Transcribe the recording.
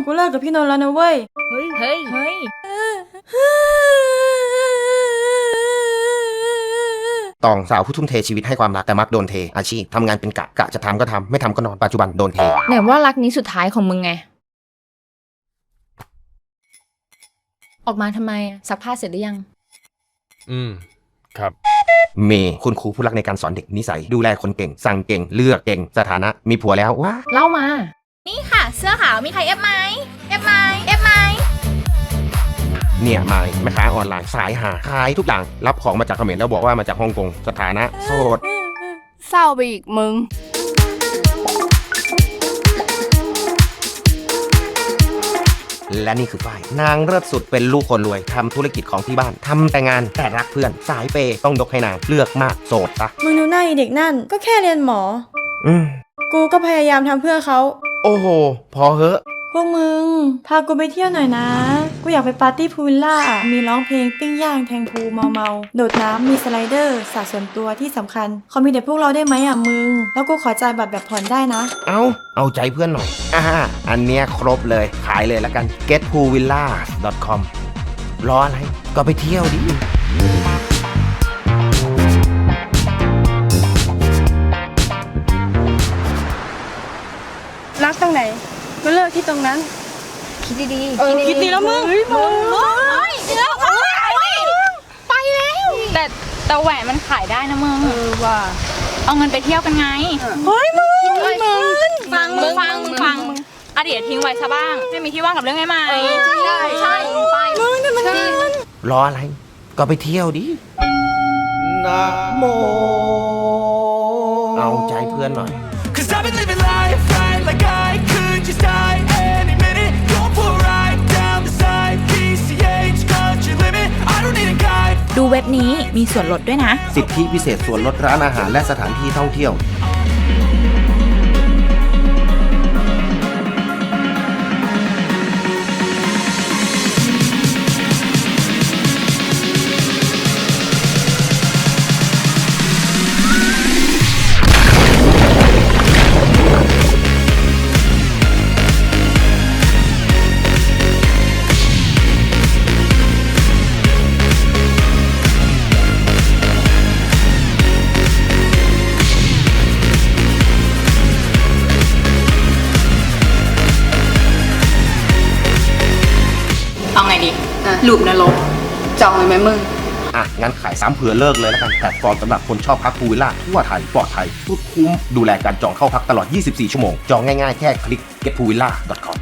กูเลิกกับพี่นนท์แล้วนะเว้ยเฮ้ยตองสาวผู้ทุ่มเทชีวิตให้ความรักแต่มักโดนเทอาชีพทำงานเป็นกะจะทำก็ทำไม่ทำก็นอนปัจจุบันโดนเทไหนว่ารักนี้สุดท้ายของมึงไง ออกมาทำไมซักผ้าเสร็จหรือยังครับเมย์คุณครูผู้รักในการสอนเด็กนิสัยดูแลคนเก่งสั่งเก่งเลือกเก่งสถานะมีผัวแล้วว้าเล่ามานี่ค่ะ เสื้อขาวมีใครเอฟไหมเอฟไหมเอฟไหมเนี่ยมายแม่ค้าออนไลน์สายหาขายทุกอย่างรับของมาจากเขมรแล้วบอกว่ามาจากฮ่องกงสถานะโสดเศร้าไปอีกมึงและนี่คือฝ้ายนางเลิศสุดเป็นลูกคนรวยทำธุรกิจของที่บ้านทำแต่งานแต่รักเพื่อนสายเปย์ต้องยกให้นางเลือกมากโสดปะมึงดูหน้าไอ้เด็กนั่นก็แค่เรียนหมออืมกูก็พยายามทำเพื่อเขาโอ้โหพอเหอะพวกมึง พากูไปเที่ยวหน่อยนะ กูอยากไปปาร์ตี้พูลวิลล่า มีร้องเพลงปิ้งย่างแทงพูเมาโดดน้ำมีสไลเดอร์สระส่วนตัวที่สำคัญเขามีแต่พวกเราได้ไหมอ่ะมึง แล้วกูขอจ่ายบัตรแบบผ่อนได้นะเอาใจเพื่อนหน่อยอันเนี้ยครบเลยขายเลยแล้วกัน getpoolvillas.com รออะไรก็ไปเที่ยวดิรักตรงไหนก็เลิกที่ตรงนั้นคิดดีคิดดีแล้วมึงแต่แหวนมันขายได้นะมึงว่าเอาเงินไปเที่ยวกันไงเฮ้ยมึงฟังอ่ะเดี๋ยวทิ้งไว้ซะบ้างให้มีที่ว่างกับเรื่องใหม่ๆใช่ไปมึงแต่มันรออะไรก็ไปเที่ยวดินะโมเอาใจเพื่อนหน่อย Cause I've been living life right like I could just die any minute. Going for a ride down the side. PCH, country limit. I don't need a guide. ดูเว็บนี้มีส่วนลดด้วยนะสิทธิพิเศษส่วนลดร้านอาหารและสถานที่ท่องเที่ยวเอาไงดีหลุมนรกจองเลยไหมมึงงั้นขายซ้ำเผื่อเลิกเลยแล้วกันแพลตฟอร์มสำหรับคนชอบพักพูลวิลล่าทั่วไทยปลอดภัยสุดคุ้มดูแลการจองเข้าพักตลอด 24 ชั่วโมง จองง่ายๆแค่คลิก getpoolvilla.com